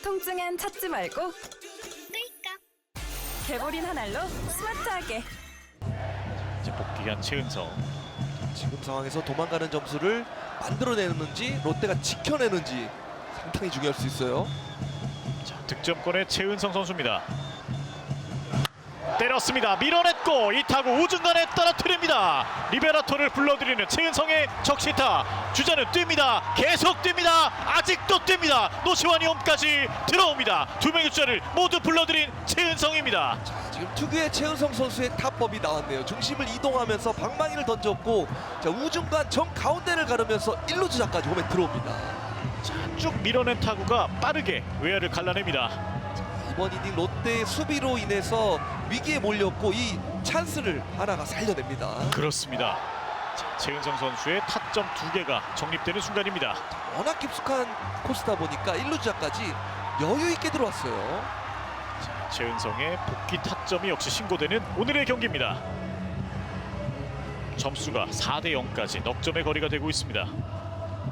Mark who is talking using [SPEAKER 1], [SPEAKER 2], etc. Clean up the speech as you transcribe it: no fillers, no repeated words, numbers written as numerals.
[SPEAKER 1] 통증엔 찾지 말고 끌까. 개보린 한 알로 스마트하게.
[SPEAKER 2] 이제 복귀한 최은성.
[SPEAKER 3] 지금 상황에서 도망가는 점수를 만들어내는지 롯데가 지켜내는지 상당히 중요할 수 있어요.
[SPEAKER 2] 자, 득점권의 최은성 선수입니다. 때렸습니다. 밀어냈고 이 타구 우중간에 떨어뜨립니다. 리베라토를 불러들이는 최은성의 적시타. 주자는 뜁니다. 계속 뜁니다. 아직도 뜁니다. 노시환이 홈까지 들어옵니다. 두 명의 주자를 모두 불러들인 최은성입니다.
[SPEAKER 3] 자, 지금 특유의 최은성 선수의 타법이 나왔네요. 중심을 이동하면서 방망이를 던졌고 자, 우중간 정 가운데를 가르면서 1루 주자까지 홈에 들어옵니다.
[SPEAKER 2] 자, 쭉 밀어낸 타구가 빠르게 외야를 갈라냅니다.
[SPEAKER 3] 이번 이닝 롯데의 수비로 인해서 위기에 몰렸고 이 찬스를 하나가 살려냅니다.
[SPEAKER 2] 그렇습니다. 자, 최은성 선수의 타점 2개가 정립되는 순간입니다.
[SPEAKER 3] 워낙 깊숙한 코스다 보니까 1루 주자까지 여유 있게 들어왔어요.
[SPEAKER 2] 자, 최은성의 복귀 타점이 역시 신고되는 오늘의 경기입니다. 점수가 4대 0까지 넉점의 거리가 되고 있습니다.